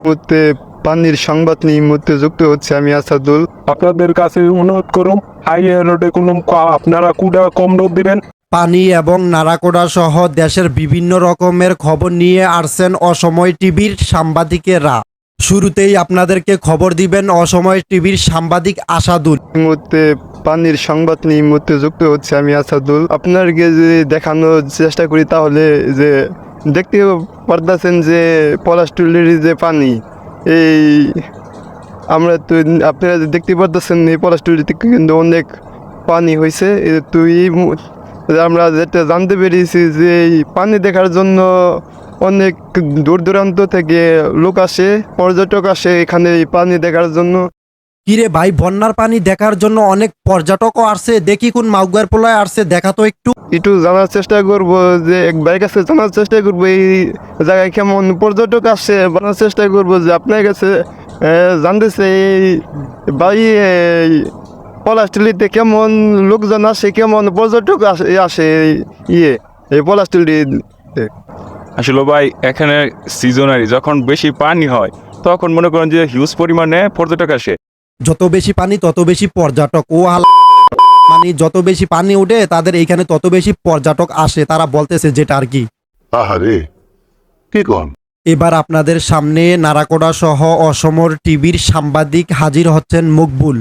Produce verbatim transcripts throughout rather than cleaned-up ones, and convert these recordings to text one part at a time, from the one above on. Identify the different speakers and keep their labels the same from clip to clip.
Speaker 1: মুহূর্তে পানির সংবাদ নিয়ে এই মুহূর্তে যুক্ত হচ্ছে আমি আসাদুল।
Speaker 2: আপনাদের কাছে অনুরোধ করুন, হাইওয়ে রোডে কোনো ক- আপনারা কুড়া কম রোড দিবেন।
Speaker 3: পানি এবং নারাকোড়া সহ দেশের বিভিন্ন রকমের খবর নিয়ে আসছেন অসময় টিভির সাংবাদিকেরা। শুরুতেই আপনাদেরকে খবর দিবেন অসময় টিভির সাংবাদিক আসাদুল।
Speaker 1: এই মুহূর্তে পানির সংবাদ নিয়ে এই মুহূর্তে যুক্ত হচ্ছে আমি আসাদুল। আপনাকে যদি দেখানোর চেষ্টা করি তাহলে যে দেখতে পারতেছেন যে পলাশটুলির যে পানি, এই আমরা তো আপনারা দেখতে পারতেছেন এই পলাশটুলি থেকে কিন্তু অনেক পানি হয়েছে। তো এই মু- আমরা যেটা জানতে পেরেছি যে এই পানি দেখার জন্য অনেক দূর দূরান্ত থেকে লোক আসে, পর্যটক আসে এখানে এই পানি দেখার জন্য।
Speaker 3: কিরে ভাই, বন্যার পানি দেখার জন্য অনেক পর্যটকও আসছে, দেখি কোন মাউগার পোলায় আসছে, দেখা তো একটু।
Speaker 1: একটু জানার চেষ্টা করবো যে এক ভাইয়ের কাছে জানার চেষ্টা করবো এই জায়গায় কেমন পর্যটক আসে, জানার চেষ্টা করবো যে আপনার কাছে আহ, জানতেছে এই ভাই এই পলাশটুলিতে কেমন লোকজন আসে, কেমন পর্যটক আসে আসে এই- ইয়ে এই পলাশটুলিতে।
Speaker 4: আসলে ভাই এখানে সিজনারি যখন বেশি পানি হয় তখন মনে করেন যে হিউজ পরিমাণে পর্যটক আসে।
Speaker 3: যত বেশি পানি তত বেশি পর্যটক। ও হালা মানে যত বেশি পানি উঠে তাদের এইখানে তত বেশি পর্যটক আসে, তারা বলতেছে যেটা আর কি।
Speaker 5: আহারে কি কন?
Speaker 3: এবার আপনাদের সামনে নারাকোড়া সহ অসমর টিভির সাংবাদিক হাজির হচ্ছেন মকবুল।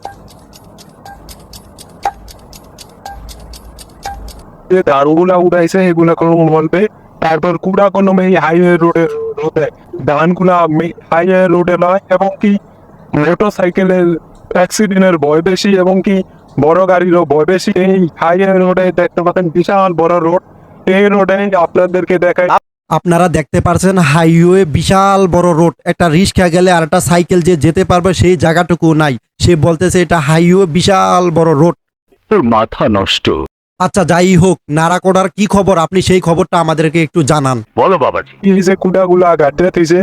Speaker 2: যে ধানগুলা উঠাইছে এগুলা কোনো বলবে। তারপর কুড়া কোনো এই হাইওয়ে রোডের রোডে ধানগুলা হাইওয়ে রোডে নয়, এবং কি মোটর সাইকেলের অ্যাক্সিডেন্টের ভয় বেশি, এবং কি বড় গাড়িরও ভয় বেশি। এই হাইওয়ে রোডে দেখতে পাচ্ছেন বিশাল বড় রোড। এই রোডে আপনাদেরকে দেখায়
Speaker 3: আপনারা দেখতে পারছেন হাইওয়ে বিশাল বড় রোড, একটা রিক্সা গেলে আর একটা সাইকেল যে যেতে পারবে সেই জায়গাটুকু নাই। সে বলতেছে এটা হাইওয়ে বিশাল বড় রোড।
Speaker 5: তোর মাথা নষ্ট।
Speaker 3: আচ্ছা যাই হোক, নারাকোড়ার কি খবর আপনি সেই খবরটা আমাদেরকে একটু জানান।
Speaker 5: বলো বাবাজি।
Speaker 2: এই যে কুড়াগুলা গাড়িতে দিয়েছে,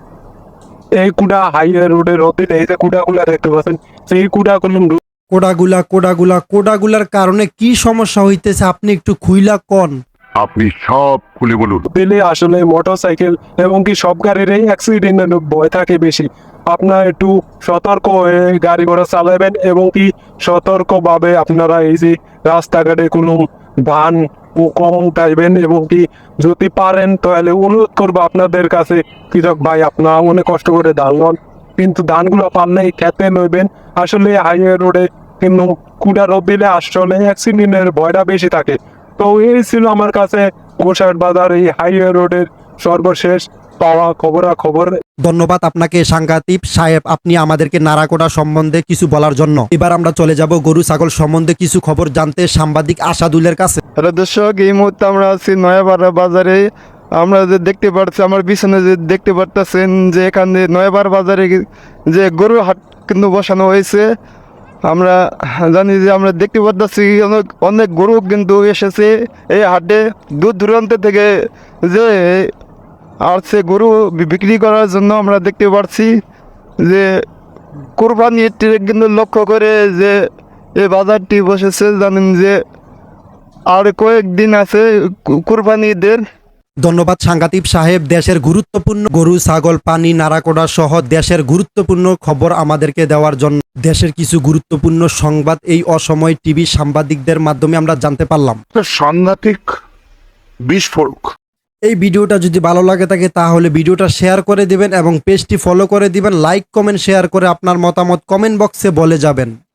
Speaker 2: এই কুড়া হাইওয়ে রোডের রোডে এই যে কুড়াগুলা দেখতে পাচ্ছেন, সেই কুড়া কোনো
Speaker 3: কোডাগুলা কোডাগুলা কোডাগুলার কারণে কি সমস্যা হইতেছে আপনি একটু খুইলা কন।
Speaker 5: আপনি সব খুলে বলুন।
Speaker 2: দিলে আসলে মোটর সাইকেল এবং কি সব গাড়িরই অ্যাক্সিডেন্টের ভয় থাকে বেশি। আপনারা একটু সতর্ক হয়ে গাড়ি ঘোড়া চালাবেন, এবং কি সতর্কভাবে আপনারা এই যে রাস্তাঘাটে কোনো ধান ও কম উঠাইবেন, এবং কি যদি পারেন তাহলে অনুরোধ করবো আপনাদের কাছে, কৃষক ভাই আপনারা অনেক কষ্ট করে ধান লন, কিন্তু ধানগুলো পারলে খেতে লইবেন। আসলে হাইওয়ে রোডে কিন্তু কুড়া রোদ দিলে আসলে অ্যাক্সিডেন্টের ভয়টা বেশি থাকে। তো এই ছিল আমার কাছে গোসাইট বাজার এই হাইওয়ে রোডের সর্বশেষ পাওয়া খবরাখবর।
Speaker 3: ধন্যবাদ আপনাকে সাংঘাতিক সাহেব, আপনি আমাদেরকে নারাকোড়া সম্বন্ধে কিছু বলার জন্য। এবার আমরা চলে যাব গরু ছাগল সম্বন্ধে কিছু খবর জানতে সাংবাদিক আসাদুলের কাছে।
Speaker 1: হ্যালো দর্শক, এই মুহূর্তে আমরা আছি নয়াপাড়া বাজারে। আমরা যে দেখতে পাচ্ছি আমার পিছনে যে দেখতে পারতেছেন যে এখানে নয়াপাড়া বাজারে যে গরুর হাট কিন্তু বসানো হয়েছে। আমরা জানি যে আমরা দেখতে পাচ্ছি অনেক অনেক গরু কিন্তু এসেছে এই হাটে দূর দূরান্ত থেকে, যে আসছে গরু বি- বিক্রি করার জন্য। আমরা দেখতে পাচ্ছি যে কোরবানির কিন্তু লক্ষ্য করে যে এই বাজারটি বসেছে। জানেন যে আর কয়েকদিন আছে কু- কুরবানি ঈদের।
Speaker 3: ধন্যবাদ সাংঘাতিক সাহেব, দেশের গুরুত্বপূর্ণ গরু ছাগল পানি নারাকোড়া সহ দেশের গুরুত্বপূর্ণ খবর আমাদেরকে দেওয়ার জন্য। দেশের কিছু গুরুত্বপূর্ণ সংবাদ এই অসময় টিভি সাংবাদিকদের মাধ্যমে আমরা জানতে পারলাম।
Speaker 5: সাংঘাতিক বিস্ফোরক।
Speaker 3: এই ভিডিওটা যদি ভালো লাগে থাকে তাহলে ভিডিওটা শেয়ার করে দিবেন এবং পেজটি ফলো করে দিবেন, লাইক কমেন্ট শেয়ার করে আপনার মতামত কমেন্ট বক্সে বলে যাবেন।